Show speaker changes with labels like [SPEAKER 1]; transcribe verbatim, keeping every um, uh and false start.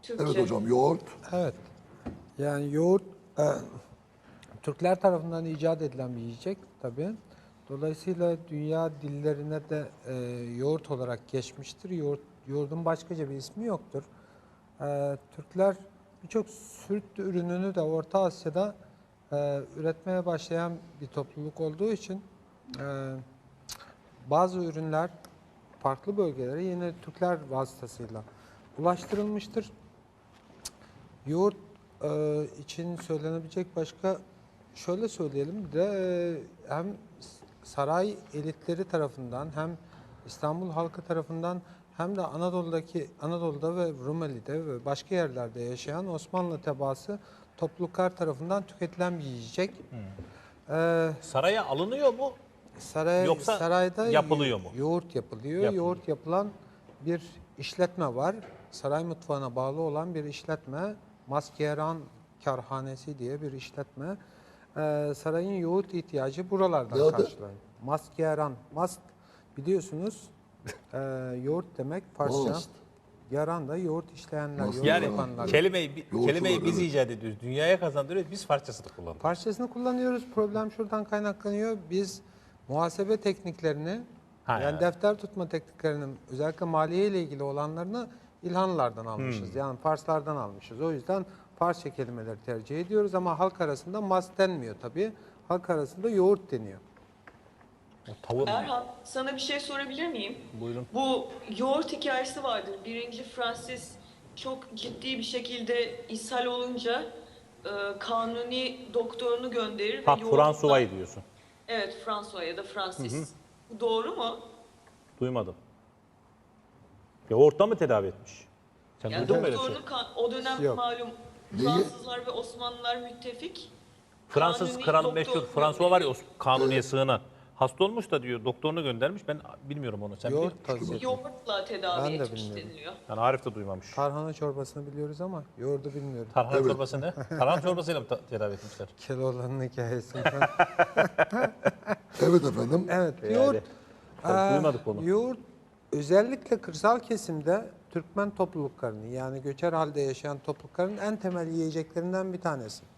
[SPEAKER 1] Türkçe.
[SPEAKER 2] Evet hocam, yoğurt.
[SPEAKER 3] Evet. Yani yoğurt e, Türkler tarafından icat edilen bir yiyecek tabii. Dolayısıyla dünya dillerine de e, yoğurt olarak geçmiştir. Yoğurt, yoğurdun başkaca bir ismi yoktur. E, Türkler birçok süt ürününü de Orta Asya'da e, üretmeye başlayan bir topluluk olduğu için e, bazı ürünler farklı bölgelere yine Türkler vasıtasıyla ulaştırılmıştır. Yoğurt e, için söylenebilecek başka şöyle söyleyelim bir de e, hem saray elitleri tarafından hem İstanbul halkı tarafından hem de Anadolu'daki Anadolu'da ve Rumeli'de ve başka yerlerde yaşayan Osmanlı tebaası topluluklar tarafından tüketilen bir yiyecek. E,
[SPEAKER 4] Saraya alınıyor mu?
[SPEAKER 3] Saray,
[SPEAKER 4] Yoksa
[SPEAKER 3] sarayda
[SPEAKER 4] yapılıyor
[SPEAKER 3] yo-
[SPEAKER 4] mu?
[SPEAKER 3] yoğurt yapılıyor.
[SPEAKER 4] Yapılıyor.
[SPEAKER 3] Yoğurt yapılan bir işletme var. Saray mutfağına bağlı olan bir işletme. Maskeran Karhanesi diye bir işletme. Ee, sarayın yoğurt ihtiyacı buralardan
[SPEAKER 2] Ne adı?
[SPEAKER 3] karşılanıyor. Maskeran. Mast biliyorsunuz e, yoğurt demek Farsça.
[SPEAKER 2] Mast.
[SPEAKER 3] Yaran da yoğurt işleyenler, yoğurt
[SPEAKER 4] Yani
[SPEAKER 3] yapanlar.
[SPEAKER 4] kelimeyi,
[SPEAKER 2] Yoğurtçular,
[SPEAKER 4] kelimeyi biz
[SPEAKER 2] evet.
[SPEAKER 4] icat ediyoruz. Dünyaya kazandırıyoruz. Biz parçasını kullanıyoruz.
[SPEAKER 3] Parçasını kullanıyoruz. Problem şuradan kaynaklanıyor. Biz muhasebe tekniklerini,
[SPEAKER 4] Ha,
[SPEAKER 3] yani
[SPEAKER 4] evet.
[SPEAKER 3] defter tutma tekniklerinin özellikle maliye ile ilgili olanlarını İlhanlılardan almışız.
[SPEAKER 4] Hmm.
[SPEAKER 3] Yani Farslardan almışız. O yüzden Farsça kelimeleri tercih ediyoruz ama halk arasında mas denmiyor tabii. Halk arasında yoğurt deniyor.
[SPEAKER 4] Tavuk.
[SPEAKER 1] Erhan, sana bir şey sorabilir miyim?
[SPEAKER 4] Buyurun.
[SPEAKER 1] Bu yoğurt hikayesi vardır. Birinci Francis çok ciddi bir şekilde ishal olunca e, kanuni doktorunu gönderir.
[SPEAKER 4] Ha,
[SPEAKER 1] ve yoğurtla-
[SPEAKER 4] Fransuva'yı diyorsun.
[SPEAKER 1] Evet, François ya da Francis. Bu doğru mu?
[SPEAKER 4] Duymadım. Yoğurtla mı tedavi etmiş? Sen
[SPEAKER 1] Yani
[SPEAKER 4] duydun mu öyle bir şey?
[SPEAKER 1] doktorunu kan- o dönem
[SPEAKER 3] Yok.
[SPEAKER 1] malum
[SPEAKER 2] Neyi?
[SPEAKER 1] Fransızlar ve Osmanlılar müttefik.
[SPEAKER 4] Fransız
[SPEAKER 1] Kanuni
[SPEAKER 4] kralı
[SPEAKER 1] doktor
[SPEAKER 4] meşhur François var ya, o
[SPEAKER 1] gönderiyor.
[SPEAKER 4] kanuniye sığınan. Hasta olmuş da diyor doktorunu göndermiş. Ben bilmiyorum onu. Sen biliyor
[SPEAKER 3] Yoğurt
[SPEAKER 4] musun?
[SPEAKER 3] tavsiye ediyorum.
[SPEAKER 1] Yoğurtla tedavi
[SPEAKER 3] Ben de
[SPEAKER 1] etmiş
[SPEAKER 3] bilmiyorum.
[SPEAKER 1] deniliyor.
[SPEAKER 4] Yani Arif de duymamış.
[SPEAKER 3] Tarhana çorbasını biliyoruz ama yoğurdu bilmiyorum.
[SPEAKER 4] Tarhana çorbası ne? Tarhana çorbasıyla mı ta- tedavi etmişler?
[SPEAKER 3] Keloğlan'ın hikayesinden.
[SPEAKER 2] Evet efendim.
[SPEAKER 3] Evet,
[SPEAKER 4] Yani,
[SPEAKER 3] yoğurt.
[SPEAKER 4] tabii
[SPEAKER 3] Aa,
[SPEAKER 4] duymadık onu.
[SPEAKER 3] Yoğurt özellikle kırsal kesimde Türkmen topluluklarının yani göçer halde yaşayan toplulukların en temel yiyeceklerinden bir tanesi.